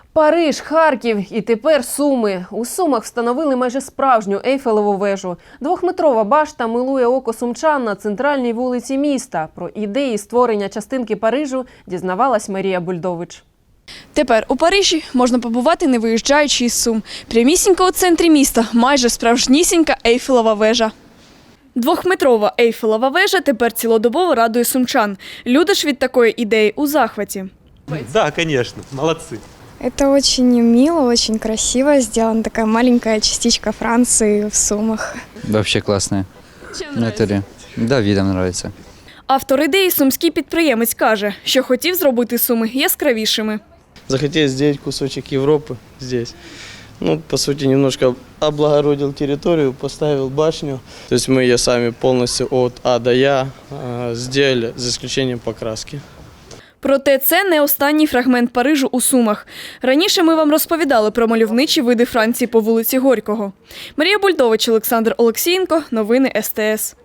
Париж, Харків і тепер Суми. У Сумах встановили майже справжню Ейфелеву вежу. Двохметрова башта милує око сумчан на центральній вулиці міста. Про ідеї створення частинки Парижу дізнавалась Марія Бульдович. Тепер у Парижі можна побувати, не виїжджаючи із Сум. Прямісінько у центрі міста майже справжнісінька Ейфелева вежа. Двохметрова Ейфелева вежа тепер цілодобово радує сумчан. Люди ж від такої ідеї у захваті. Да, конечно, молодцы. Это очень мило, очень красиво сделана такая маленькая частичка Франции в Сумах. Вообще классная. Чим Натали. Да, видом нравится. Автор ідеї сумський підприємець каже, що хотів зробити Суми яскравішими. Захотел сделать кусочек Европы здесь. Ну, по сути, немножко облагородил территорию, поставил башню. То есть мы ее сами полностью от А до Я сделали, за исключением покраски. Проте це не останній фрагмент Парижу у Сумах. Раніше ми вам розповідали про мальовничі види Франції по вулиці Горького. Марія Бульдович, Олександр Олексієнко. Новини СТС.